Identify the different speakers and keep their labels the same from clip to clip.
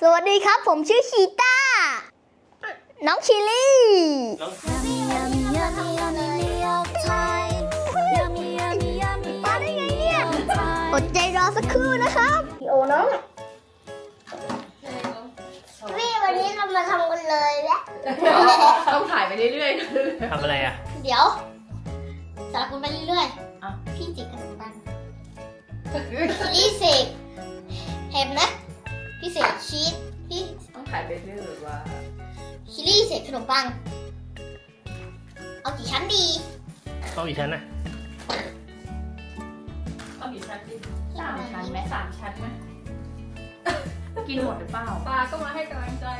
Speaker 1: สวัสดีครับผมชื่อชีต้าน้องชิลลี่มาได้ไงเนี่ยอดใจรอสักครู่นะครับพี่โอน้องพี่วันนี้เรามาทำกันเลยแล้ว
Speaker 2: ต้องถ่ายไปเรื่อยๆ
Speaker 3: ทำอะไรอ่ะ
Speaker 1: เดี๋ยวสลับกันไปเรื่อยๆพี่จิกขนมปังพี่เสกเห็นนะพี่เสกชีสพี่
Speaker 2: ต้องถ่ายไปเรื่อยๆว่า
Speaker 1: ชิลลี่เสกขนมปังเอากี่ชั้นดี
Speaker 3: ต้องอีกชั้นนะ
Speaker 2: เอากี่ชั้นดี3 ชั้นไหม3 ชั้นไหมกินหมดหรือเปล่าปลาก็มาให้กำลังใจ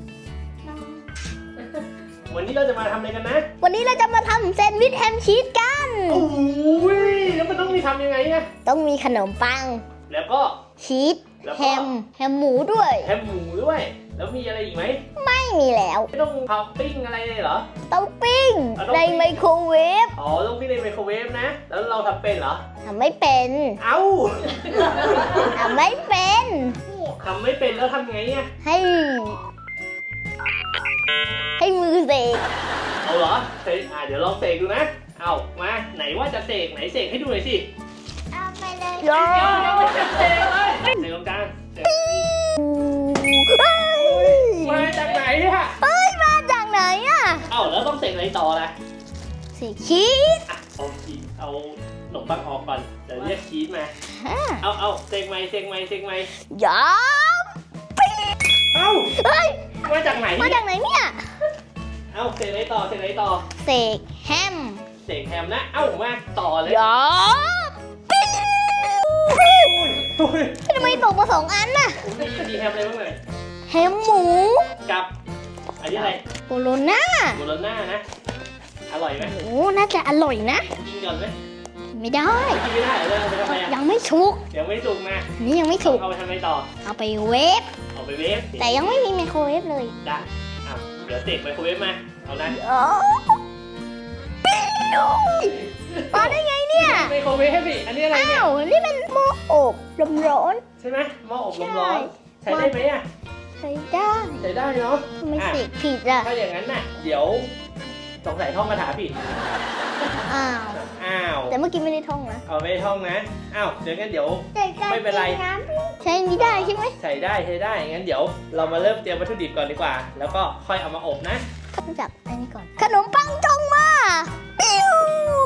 Speaker 3: วันนี้เราจะมาทำอะไรกันนะ
Speaker 1: วันนี้เราจะมาทำแซนด์วิชแฮมชีสกัน
Speaker 3: โอ้ยแล้วมันต้องมีทำยังไงเนี่ย
Speaker 1: ต้องมีขนมปัง
Speaker 3: แล้วก็
Speaker 1: ชีสแฮมหมูด้วย
Speaker 3: แฮมหมูด้วยแล้วมีอะไรอีกไหม
Speaker 1: ไม่มีแล้ว
Speaker 3: ไม่ต้องเผาปิ้งอะไรเลยเหรอ
Speaker 1: ต้องปิ้งในไมโครเวฟ
Speaker 3: อ๋อต้องปิ้งในไมโครเวฟนะแล้วเราทำเป็นเหรอ
Speaker 1: ทำไม่เป็น
Speaker 3: เอ้า
Speaker 1: ทำไม่เป็น
Speaker 3: ทำไม่เป็นแล้วทำไงอ่ะ
Speaker 1: ให้มือเสก
Speaker 3: เอาเหรอเสกเดี๋ยวลองเสกดูนะเอามาไหนว่าจะเสกไหนเสกให้ดูหน่อยสิ
Speaker 1: เอาไปเลย
Speaker 3: เดี๋ยวจะเสกเลยเสกตรงกลางมาจากไหนอ่ะ
Speaker 1: มาจากไหนอ่ะ
Speaker 3: เอ้าแล้วต้องเสกอะไรต่อล่ะ
Speaker 1: เสกชีส
Speaker 3: เอาขนมปังออกก่อนเดี๋ยวเรียกชีสมาเอาเสกไหม
Speaker 1: ย้อม
Speaker 3: เอ้ามาจากไหน
Speaker 1: เนี่ย
Speaker 3: เอาเสกอะไรต่อ
Speaker 1: เสกแฮม
Speaker 3: นะเอ้ามาต่อเลย
Speaker 1: ย้อมทำไมตกมา2 อันน่ะ
Speaker 3: มีแฮมอะไรบ้างเลย
Speaker 1: แฮมหมู
Speaker 3: กับอันนี้อะไร
Speaker 1: โบโลน่า
Speaker 3: นะอร่อยไหม
Speaker 1: โอ้น่าจะอร่อยนะ
Speaker 3: กินก่อนไหม
Speaker 1: ไม่ได้
Speaker 3: กินไม่ได้เลยไปทำไม
Speaker 1: ยังไม่สุก
Speaker 3: นะ
Speaker 1: นี่ยังไม่สุก
Speaker 3: เอาไปทำอะไรต่อ
Speaker 1: เอาไปเวฟแต่ยังไม่มีไมโครเวฟเลย
Speaker 3: ได้เดี๋ยวเสกไมโครเวฟมาเอานะ
Speaker 1: มาได้ไงเนี่ย
Speaker 3: ไมโครเวฟพี่อันนี้อะไรเนี่ย
Speaker 1: นี่มันหม้ออบลมร้อน
Speaker 3: ใช่ไหมหม้ออบลมร้อนใช้ได้ไหมอ่ะ
Speaker 1: ใช้ได้
Speaker 3: เนาะ
Speaker 1: ทำไมเสกผิดอ่ะ
Speaker 3: ถ้าอย่างนั้นน่ะเดี๋ยวสงสัยท่องคาถาผิด
Speaker 1: แต่เมื่อกี้ไม่ได้ท่องนะ
Speaker 3: ไม่ได้ท่องนะเดี๋ยวงั้นเดี๋ยวไม่เป็นไร
Speaker 1: ใช้นี้ได้ใช่ไหม
Speaker 3: ใช้ได้งั้นเดี๋ยวเรามาเริ่มเตรียมวัตถุดิบก่อนดีกว่าแล้วก็ค่อยเอามาอบนะ
Speaker 1: รู้จักอันนี้ก่อนขนมปังจงมาปิ้ว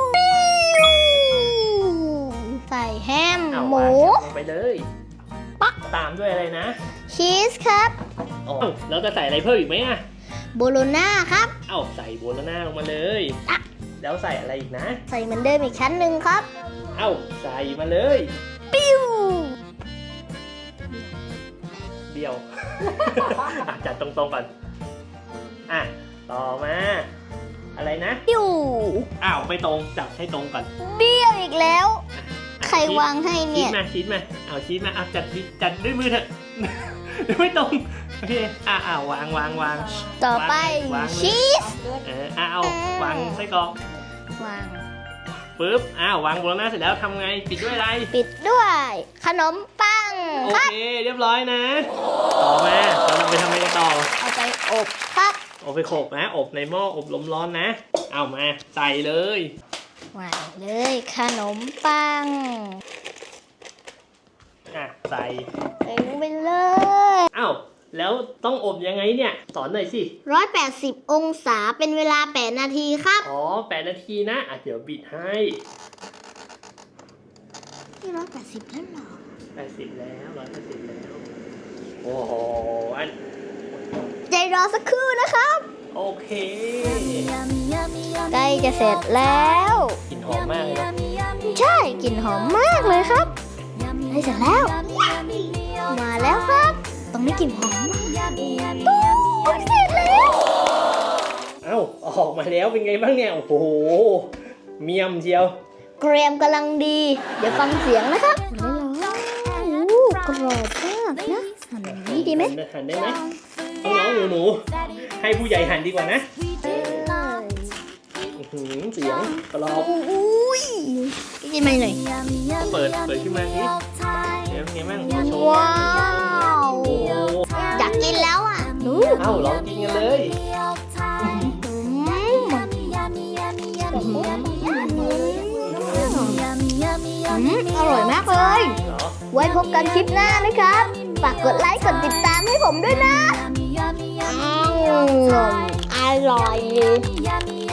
Speaker 1: ใส่แฮมหมู
Speaker 3: ไปเลยปักตามด้วยอะไรนะ
Speaker 1: ชีสครับ
Speaker 3: แล้วจะใส่อะไรเพิ่มอีกไหมอ่ะ
Speaker 1: โบโลน่าครับ
Speaker 3: ใส่โบโลน่าลงมาเลยแล้วใส่อะไรอีกนะ
Speaker 1: ใส่เหมือนเดิมอีกชั้นหนึ่งครับ
Speaker 3: ใส่มาเลย
Speaker 1: ปิ้ว
Speaker 3: เบี้ยวจัดตรงๆก่อนต่อมาอะไรนะ
Speaker 1: ปิ้ว
Speaker 3: ไม่ตรงจับให้ตรงก่อน
Speaker 1: เบี้ยวอีกแล้วใครวางให้เนี่ย
Speaker 3: ชีสมาชีสมาจัดด้วยมือเถอะไม่ตรงโอเควาง
Speaker 1: ต่อไปชีส
Speaker 3: วางไส้กรอก
Speaker 1: วาง
Speaker 3: ปึ๊บวางโบโลน่าเสร็จแล้วทำไงปิดด้วยอะไร
Speaker 1: ปิดด้วยขนมปัง
Speaker 3: โอเคเรียบร้อยนะต่อมาเราไปทำอะไรกันต่อ
Speaker 1: เอาไปอบครับ
Speaker 3: เอาไปโขลกนะอบในหม้ออบลมร้อนนะมาใส่เลยว
Speaker 1: างเลยขนมปัง
Speaker 3: ใส่
Speaker 1: ลงไปเลย
Speaker 3: แล้วต้องอบยังไงเนี่ยสอนหน่อยสิ
Speaker 1: 180 องศาเป็นเวลา8 นาทีครับ
Speaker 3: 8 นาทีนะเดี๋ยวบิดให้
Speaker 1: นี่180แล้วเหรอ
Speaker 3: 180แล้วโอ้โห
Speaker 1: ใจรอสักครู่นะครับ
Speaker 3: โอเค
Speaker 1: ใกล้จะเสร็จแล้ว
Speaker 3: กลิ่นหอมมากเลย
Speaker 1: ใช่กลิ่นหอมมากเลยครับใกล้เสร็จแล้วมาแล้วครับต้องได้กลิ่นหอมมากเสร็จแล้ว
Speaker 3: ออกมาแล้วเป็นไงบ้างเนี่ยโอ้โหเมี่ยมเชียว
Speaker 1: เกรียมกำลังดีเดี๋ยวฟังเสียงนะครับกรอบมากนะหั่นนี้ดีไหม
Speaker 3: หั่นได้ไหมน้องหนูให้ผู้ใหญ่หั่นดีกว่านะเสียงกรอบ
Speaker 1: กินไหมหน่อย
Speaker 3: เปิดขึ้นมาสิเดี๋ยวไงบ้าง
Speaker 1: ว้าวอยาก
Speaker 3: เอ้าลองกินกันเลย
Speaker 1: อร่อยมากเลย
Speaker 3: เหรอ
Speaker 1: ไว้พบกันคลิปหน้านะครับ ฝากกดไลค์ กดติดตามให้ผมด้วยนะ อร่อย